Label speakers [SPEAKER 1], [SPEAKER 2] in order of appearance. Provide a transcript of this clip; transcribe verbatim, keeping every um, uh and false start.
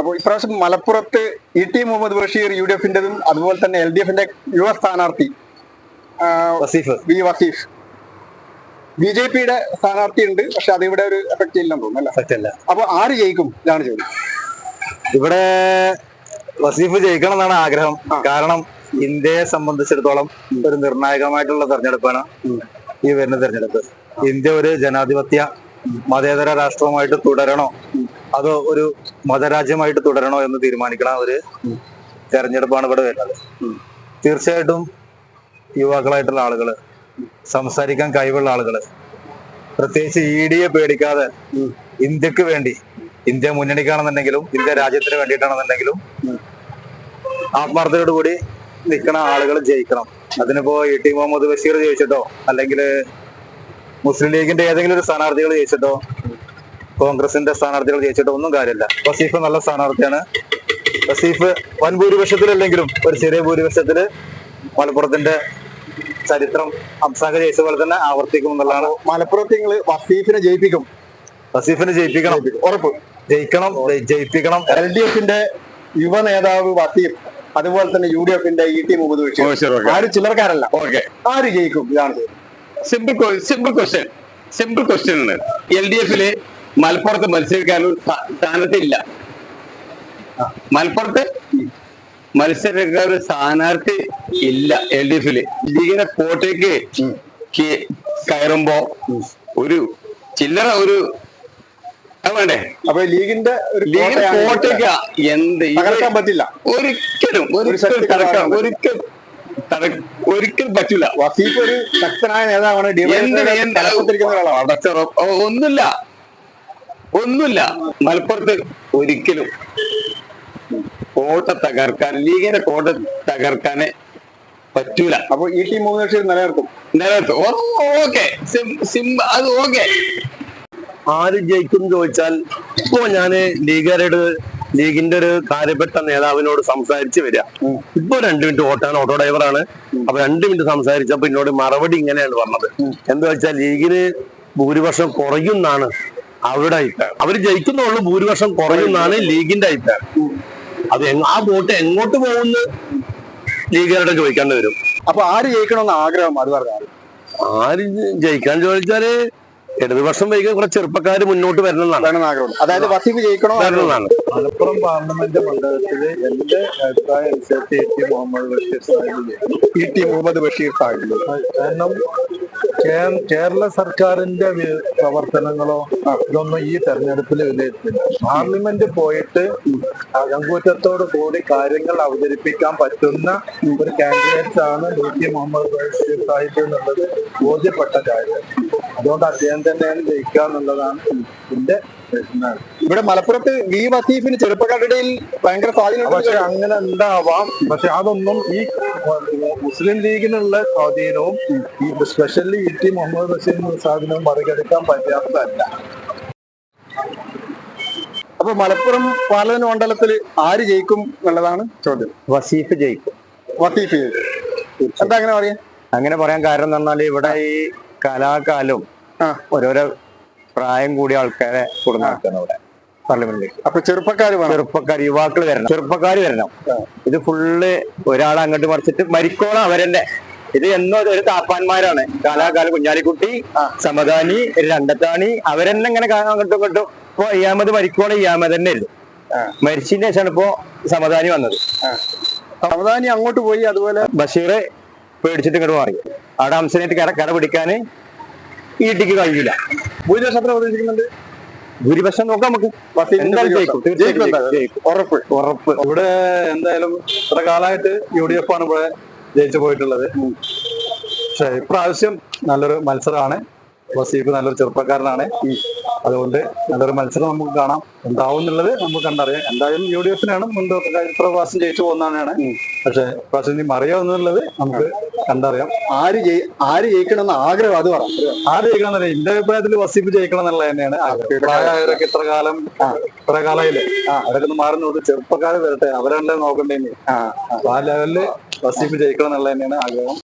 [SPEAKER 1] അപ്പോൾ ഇപ്രാവശ്യം മലപ്പുറത്ത് E T Muhammad Basheer U D എഫിന്റെതും അതുപോലെ തന്നെ എൽ ഡി എഫിന്റെ യുവ സ്ഥാനാർത്ഥി
[SPEAKER 2] Waseef
[SPEAKER 1] V Waseef B J പിയുടെ സ്ഥാനാർത്ഥി ഉണ്ട്, പക്ഷെ അത് ഇവിടെ ഒരു എഫക്ട് ഇല്ലെന്ന് തോന്നുന്നു. അപ്പൊ ആര് ജയിക്കും ഇതാണ് ചോദ്യം.
[SPEAKER 2] ഇവിടെ വസീഫ് ജയിക്കണം എന്നാണ് ആഗ്രഹം. കാരണം ഇന്ത്യയെ സംബന്ധിച്ചിടത്തോളം ഒരു നിർണായകമായിട്ടുള്ള തെരഞ്ഞെടുപ്പാണ് ഈ വരുന്ന തെരഞ്ഞെടുപ്പ്. ഇന്ത്യ ഒരു ജനാധിപത്യ മതേതര രാഷ്ട്രമായിട്ട് തുടരണോ അതോ ഒരു മതരാജ്യമായിട്ട് തുടരണോ എന്ന് തീരുമാനിക്കണ ഒരു തെരഞ്ഞെടുപ്പാണ് ഇവിടെ വരുന്നത്. തീർച്ചയായിട്ടും യുവാക്കളായിട്ടുള്ള ആളുകള്, സംസാരിക്കാൻ കഴിവുള്ള ആളുകള്, പ്രത്യേകിച്ച് ഇ ഡിയെ പേടിക്കാതെ ഇന്ത്യക്ക് വേണ്ടി, ഇന്ത്യ മുന്നണിക്കാണെന്നുണ്ടെങ്കിലും ഇന്ത്യ രാജ്യത്തിന് വേണ്ടിയിട്ടാണെന്നുണ്ടെങ്കിലും ആത്മാർത്ഥതയോട് കൂടി നിൽക്കുന്ന ആളുകൾ ജയിക്കണം. അതിനിപ്പോ ഇ ടി മുഹമ്മദ് ബഷീർ ജയിച്ചിട്ടോ അല്ലെങ്കിൽ മുസ്ലിം ലീഗിന്റെ ഏതെങ്കിലും ഒരു സ്ഥാനാർത്ഥികൾ ജയിച്ചിട്ടോ കോൺഗ്രസിന്റെ സ്ഥാനാർത്ഥികൾ ജയിച്ചിട്ടോ ഒന്നും കാര്യമില്ല. വസീഫ് നല്ല സ്ഥാനാർത്ഥിയാണ്. വസീഫ് വൻ ഭൂരിപക്ഷത്തിലല്ലെങ്കിലും ഒരു ചെറിയ ഭൂരിപക്ഷത്തില് മലപ്പുറത്തിന്റെ ചരിത്രം ഹംസാഖ് ജയിച്ച പോലെ തന്നെ ആവർത്തിക്കും എന്നുള്ളതാണ്.
[SPEAKER 1] മലപ്പുറത്ത് നിങ്ങൾ വസീഫിനെ ജയിപ്പിക്കും?
[SPEAKER 2] വസീഫിനെ ജയിപ്പിക്കണം,
[SPEAKER 1] ഉറപ്പ്.
[SPEAKER 2] ജയിക്കണം, ജയിപ്പിക്കണം.
[SPEAKER 1] എൽ ഡി എഫിന്റെ യുവ നേതാവ് വസീഫ്, അതുപോലെ തന്നെ യു ഡി എഫിന്റെ ഇ ടി മുഹമ്മദ് ബഷീർ, ആര് ചില്ലറക്കാരല്ല.
[SPEAKER 2] ഓക്കെ,
[SPEAKER 1] ആര് ജയിക്കും ഇതാണ്
[SPEAKER 3] simple simple question simple question ആണ്. എൽ ഡി എഫില് മലപ്പുറത്ത് മത്സരിക്കാൻ ഒരു സ്ഥാനത്ത് ഇല്ല. മലപ്പുറത്ത് മത്സരിക്കാൻ ഒരു സ്ഥാനാർത്ഥി ഇല്ല എൽ ഡി എഫില്. ലീഗിനെ കോട്ടയ്ക്ക് കയറുമ്പോ ഒരു ചില്ലറ ഒരു വേണ്ടേ?
[SPEAKER 1] അപ്പൊ ലീഗിന്റെ
[SPEAKER 3] ലീഗിന്റെ കോട്ടയ്ക്ക് എന്ത്
[SPEAKER 1] തകർക്കാൻ പറ്റില്ല
[SPEAKER 3] ഒരിക്കലും. ഒരിക്കലും ഒരിക്കൽ ഒരിക്കലും പറ്റൂല.
[SPEAKER 1] വസീഫ് ഒരു ശക്തനായ നേതാവാണ്.
[SPEAKER 3] ഒന്നുമില്ല ഒന്നുമില്ല മലപ്പുറത്ത് ഒരിക്കലും കോട്ട തകർക്കാൻ, ലീഗിന്റെ കോട്ട തകർക്കാന് പറ്റൂല.
[SPEAKER 1] അപ്പൊ ഇ ടി മുഹമ്മദ് ബഷീർ നിലനിർത്തും
[SPEAKER 3] നിലനിർത്തും ഓക്കെ, അത് ഓക്കെ.
[SPEAKER 4] ആര് ജയിക്കും ചോദിച്ചാൽ, ഇപ്പോ ഞാന് ലീഗുകാരോട്, ലീഗിന്റെ ഒരു കാര്യപ്പെട്ട നേതാവിനോട് സംസാരിച്ച് വരിക. ഇപ്പൊ രണ്ടു മിനിറ്റ് ഓട്ടാണ്, ഓട്ടോ ഡ്രൈവറാണ്. അപ്പൊ രണ്ടു മിനിറ്റ് സംസാരിച്ചപ്പോ എന്നോട് മറുപടി ഇങ്ങനെയാണ് പറഞ്ഞത്. എന്താ വെച്ചാൽ ലീഗിന് ഭൂരിപക്ഷം കുറയുന്നാണ് അവരുടെ അഭിപ്രായം. അവര് ജയിക്കുന്നുള്ളൂ, ഭൂരിപക്ഷം കുറയുന്നാണ് ലീഗിന്റെ അഭിപ്രായം. അത് ആ വോട്ട് എങ്ങോട്ട് പോകുന്ന ലീഗുകാരുടെ ചോദിക്കേണ്ടി വരും.
[SPEAKER 1] അപ്പൊ ആര് ജയിക്കണമെന്ന് ആഗ്രഹം അത് പറഞ്ഞാൽ?
[SPEAKER 4] ആര് ജയിക്കാൻ ചോദിച്ചാല് ഇടതുപക്ഷം വൈകാൻ കുറെ ചെറുപ്പക്കാര് മുന്നോട്ട് വരണമെന്നാണ് ആഗ്രഹം.
[SPEAKER 1] അതായത് വസീഫ് ജയിക്കണോ
[SPEAKER 4] വരണമെന്നാണ്.
[SPEAKER 2] മലപ്പുറം പാർലമെന്റ് മണ്ഡലത്തില് എന്റെ അഭിപ്രായം അനുസരിച്ച് E T Muhammad Basheer Sahib
[SPEAKER 1] E T Muhammad Basheer Sahib
[SPEAKER 2] കാരണം കേരള സർക്കാരിന്റെ പ്രവർത്തനങ്ങളോ ഇതൊന്നും ഈ തെരഞ്ഞെടുപ്പിൽ വിലയിരുത്തില്ല. പാർലമെന്റ് പോയിട്ട് അകങ്കൂറ്റത്തോടു കൂടി കാര്യങ്ങൾ അവതരിപ്പിക്കാൻ പറ്റുന്ന ഒരു കാൻഡിഡേറ്റ് ആണ് ഇ ടി മുഹമ്മദ് ബഷീർ സാഹിബ് എന്നുള്ളത് ബോധ്യപ്പെട്ട കാര്യം. അതുകൊണ്ട് അദ്ദേഹം തന്നെയാണ് ജയിക്കുക എന്നുള്ളതാണ് എന്റെ പ്രശ്നം.
[SPEAKER 1] ഇവിടെ മലപ്പുറത്ത് വി വസീഫിന് ചെറുപ്പക്കാരുടെ ഇടയിൽ ഭയങ്കര സ്വാധീനം.
[SPEAKER 2] പക്ഷെ അങ്ങനെ ഉണ്ടാവാം. പക്ഷെ അതൊന്നും ഈ മുസ്ലിം ലീഗിനുള്ള സ്വാധീനവും ഈ സ്പെഷ്യലി ഇ ടി മുഹമ്മദ് ബഷീറിന്റെ സ്വാധീനവും മറികടക്കാൻ പറ്റാത്തതല്ല.
[SPEAKER 1] അപ്പൊ മലപ്പുറം പാർലമെന്റ് മണ്ഡലത്തിൽ ആര് ജയിക്കും എന്നുള്ളതാണ് ചോദ്യം.
[SPEAKER 4] വസീഫ് ജയിക്കും.
[SPEAKER 1] വസീഫ് ജയിക്കും. എന്താ അങ്ങനെ പറയാ?
[SPEAKER 4] അങ്ങനെ പറയാൻ കാരണം എന്ന് പറഞ്ഞാല് ഇവിടെ ഈ കലാകാലവും ഓരോരോ പ്രായം കൂടിയ ആൾക്കാരെ കൊടുക്കുന്ന ഇവിടെ പാർലമെന്റിലേക്ക്.
[SPEAKER 1] അപ്പൊ ചെറുപ്പക്കാർ
[SPEAKER 4] ചെറുപ്പക്കാർ യുവാക്കൾ വരണം, ചെറുപ്പക്കാർ വരണം. ഇത് ഫുള്ള് ഒരാളെ അങ്ങോട്ട് മറിച്ചിട്ട് മരിക്കോളം അവരെന്നെ. ഇത് എന്നോ ഒരു താപ്പാന്മാരാണ്. കാലാകാലം കുഞ്ഞാലിക്കുട്ടി, സമദാനി, രണ്ടത്താണി, അവരെന്നെ ഇങ്ങനെ അങ്ങോട്ടും ഇങ്ങോട്ടും. ഇപ്പൊ ഇയാമത് മരിക്കോളം ഇയാമത് തന്നെ ആയിരുന്നു. മരിച്ചതിന് ശേഷമാണ് ഇപ്പോ സമദാനി വന്നത്.
[SPEAKER 1] സമദാനി അങ്ങോട്ട് പോയി. അതുപോലെ
[SPEAKER 4] ബഷീർ പേടിച്ചിട്ട് ഇങ്ങോട്ട് മാറി. അവിടെ ഹംസനായിട്ട് കട കട പിടിക്കാന് ഈ ടിക്ക് കഴിയില്ല.
[SPEAKER 1] ഭൂരിപക്ഷം പ്രതീക്ഷിക്കുന്നുണ്ട്.
[SPEAKER 4] ഭൂരിപക്ഷം നോക്കാം നമുക്ക്.
[SPEAKER 1] ഉറപ്പ്
[SPEAKER 2] ഉറപ്പ് ഇവിടെ എന്തായാലും ഇത്ര കാലമായിട്ട് യു ഡി എഫ് ആണ് ഇവിടെ ജയിച്ചു പോയിട്ടുള്ളത്. പക്ഷെ ഇപ്രാവശ്യം നല്ലൊരു മത്സരമാണ്. വസീഫ് നല്ലൊരു ചെറുപ്പക്കാരനാണ്. അതുകൊണ്ട് നല്ലൊരു മത്സരം നമുക്ക് കാണാം. എന്താവും എന്നുള്ളത് നമുക്ക് കണ്ടറിയാം. എന്തായാലും യു ഡി എഫിനാണ് മുൻതൂക്കം. ഇത്ര പ്രാവശ്യം ജയിച്ചു പോകുന്നതാണ്. പക്ഷെ പ്രാവശ്യം ഇനി മറിയാവുന്നുള്ളത് നമുക്ക് കണ്ടറിയാം.
[SPEAKER 1] ആര് ജയി ആര് ജയിക്കണമെന്ന് ആഗ്രഹം അത് പറ.
[SPEAKER 2] ആര് ജയിക്കണം എന്നല്ല, എന്റെ അഭിപ്രായത്തിൽ വസീഫ് ജയിക്കണം എന്നുള്ളത് തന്നെയാണ്. പ്രായമായവരൊക്കെ ഇത്ര കാലം ഇത്ര കാലമായില്ലേ, അവരൊക്കെ ഒന്ന് മാറി നോക്കി ചെറുപ്പക്കാർ വരട്ടെ, അവരല്ലേ നോക്കണ്ടേ. ആ ലെവലില് വസീഫ് ജയിക്കണം എന്നുള്ളത് തന്നെയാണ് ആഗ്രഹം.